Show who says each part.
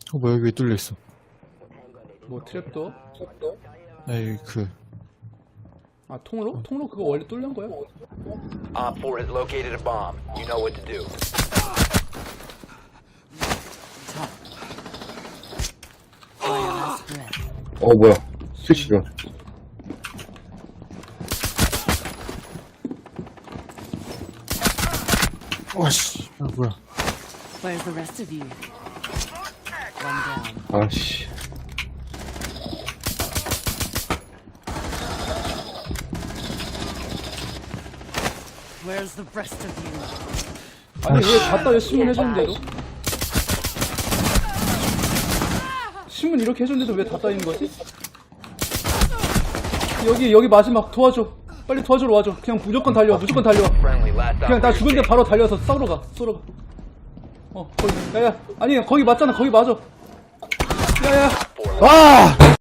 Speaker 1: 뭐야, 여기 왜 뚫려있어?
Speaker 2: 뭐 트랩도?
Speaker 1: 에이,
Speaker 2: 아 통로? 통로 그거 원래 뚫는 거야?
Speaker 3: Op 4 has located a bomb. You know what to do.
Speaker 4: 뭐야. 스위치가.
Speaker 1: 와씨. 아, 뭐야.
Speaker 5: Where's the rest of you? One down.
Speaker 4: 아씨.
Speaker 5: Where's the rest of you?
Speaker 2: 아니 왜 갖다 왜 신문 해주는데도? 신문 이렇게 해줬는데도 왜 닫다 있는 거지? 여기 마지막 도와줘. 빨리 도와주러 와줘. 그냥 무조건 달려. 무조건 달려.
Speaker 3: Friendly, last
Speaker 2: 그냥 나
Speaker 3: operator
Speaker 2: 죽은데 바로 달려서 싸우러 가. 쏘러 가. 거기. 야야. 아니 거기 맞잖아. 거기 맞아. 야야.
Speaker 3: standing.
Speaker 1: 아!